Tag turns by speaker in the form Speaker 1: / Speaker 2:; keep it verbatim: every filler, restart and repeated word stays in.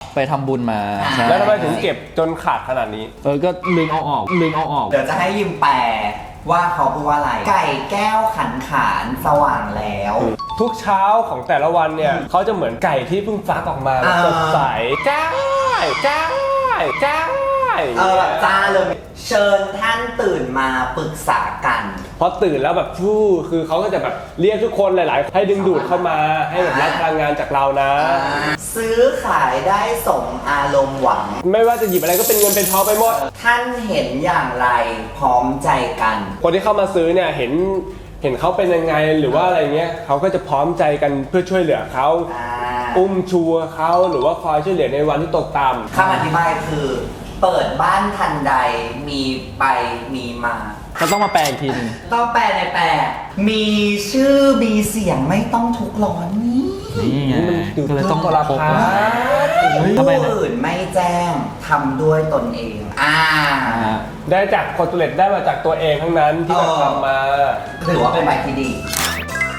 Speaker 1: ไปทำบุญมาใช่
Speaker 2: แล้วทำไมถึงเก็บจนขาดขนาดนี้
Speaker 1: เออก็ลืมเอาออกลืมเอาออก
Speaker 3: เดี๋ยวจะให้ยิมแปลว่าเขาพูดว่าอะไร ไก่แก้วขันขานสว่างแล้ว
Speaker 2: ทุกเช้าของแต่ละวันเนี่ยเขาจะเหมือนไก่ที่เพิ่งฟักออกมาแบบ
Speaker 3: อ่า
Speaker 2: สดใสจ้าจ้าจ้า
Speaker 3: เออแบบจ้าเลยเชิญท่านตื่นมาปรึกษากัน
Speaker 2: พอตื่นแล้วแบบฟู่คือเขาก็จะแบบเรียกทุกคนหลายๆให้ดึงดูดเข้ามาให้แบบรับพลังงานจากเรานะ
Speaker 3: ซื้อขายได้สมอารมณ์หวัง
Speaker 2: ไม่ว่าจะหยิบอะไรก็เป็นเงินเป็นทองไปหมด
Speaker 3: ท่านเห็นอย่างไรพร้อมใจกัน
Speaker 2: คนที่เข้ามาซื้อเนี่ยเห็นเห็นเขาเป็นยังไงหรือว่าอะไรเงี้ยเขาก็จะพร้อมใจกันเพื่อช่วยเหลือเขา
Speaker 3: อ่า
Speaker 2: อุ้มชูเขาหรือว่าคอยช่วยเหลือในวันที่ตกต่ำ
Speaker 3: คำอธิบายคือ เปิดบ้านทันใดมีไปมีมา
Speaker 1: ก็ต้องมาแปลอีกทีหนึง
Speaker 3: ต้องแปลในแปล มีชื่อมีเสียงไม่ต้องทุกข์ร้อนนี่
Speaker 1: นี่ไงก็เลยต้อง
Speaker 2: ตัวละ
Speaker 1: พก
Speaker 2: พัน
Speaker 1: ไว้ เฮ้ยทำไม
Speaker 3: ผู้
Speaker 1: นะ
Speaker 3: อื่นไม่แจ้งทำด้วยตนเอง อ่า
Speaker 1: อ่า
Speaker 2: ได้จากคนตุเล็ตได้มาจากตัวเองทั้งนั้นที่เราทำมา
Speaker 3: ถือว่าเป็นใบที่ดี